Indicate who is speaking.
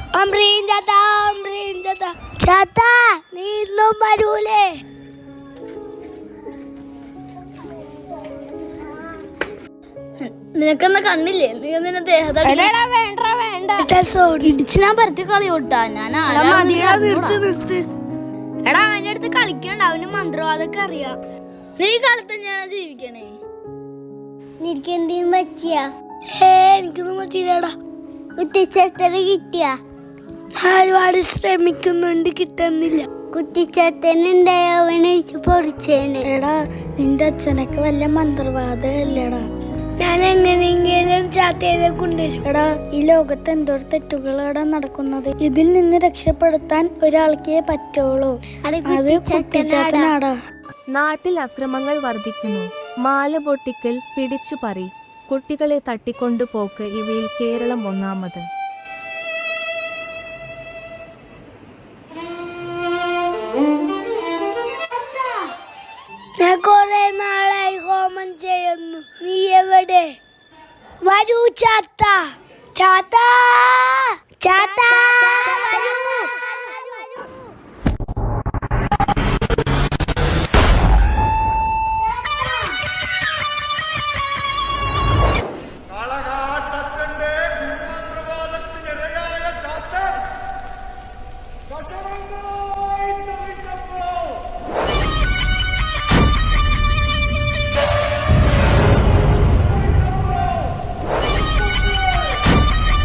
Speaker 1: ചാത്ത നീ ഇന്നും വരൂലേ?
Speaker 2: നിനക്കെന്നാ കണ്ണില്ലേ? നീ നിന്നെ ദേഹത്ത് ഇടിച്ച് ഞാൻ പരത്തി കളിയോട്ടാ. ഞാൻ എടാ അവന്റെ അടുത്ത് കളിക്കണ്ട, അവന് മന്ത്രവാദമൊക്കെ അറിയാം. നീ കാലത്ത് തന്നെയാണ് ജീവിക്കണേ.
Speaker 1: എനിക്കെന്തെങ്കിലും പറ്റിയാ?
Speaker 2: എനിക്കൊന്നും പറ്റിയില്ലടാ.
Speaker 1: കുത്തിച്ചത്തന് കിട്ടിയാ?
Speaker 2: ഒരുപാട് ശ്രമിക്കുന്നുണ്ട്, കിട്ടുന്നില്ല.
Speaker 1: കുത്തിച്ചത്തനുണ്ടായ അവനെ പൊറിച്ചേനെ.
Speaker 2: എടാ നിന്റെ അച്ഛനൊക്കെ വല്ല മന്ത്രവാദല്ലേടാ. ഞാൻ എങ്ങനെയെങ്കിലും ചാത്തേനെ കൊണ്ടുവരും. എടാ ഈ ലോകത്ത് എന്തോരം തെറ്റുകളാണ് നടക്കുന്നത്. ഇതിൽ നിന്ന് രക്ഷപ്പെടുത്താൻ ഒരാൾക്കേ പറ്റുള്ളൂ. അത് കുട്ടിച്ചാത്തനാടാ.
Speaker 3: നാട്ടിൽ അക്രമങ്ങൾ വർദ്ധിക്കുന്നു. മാല പൊട്ടിക്കൽ, പിടിച്ചുപറി, കുട്ടികളെ തട്ടിക്കൊണ്ടുപോക്ക് ഇവയിൽ കേരളം ഒന്നാമത്.
Speaker 1: ഞാൻ കുറെ നാളായി ഹോമം ചെയ്യുന്നു. നീ എവിടെ? വരൂ ചാത്ത, ചാത്ത, ചാത്ത.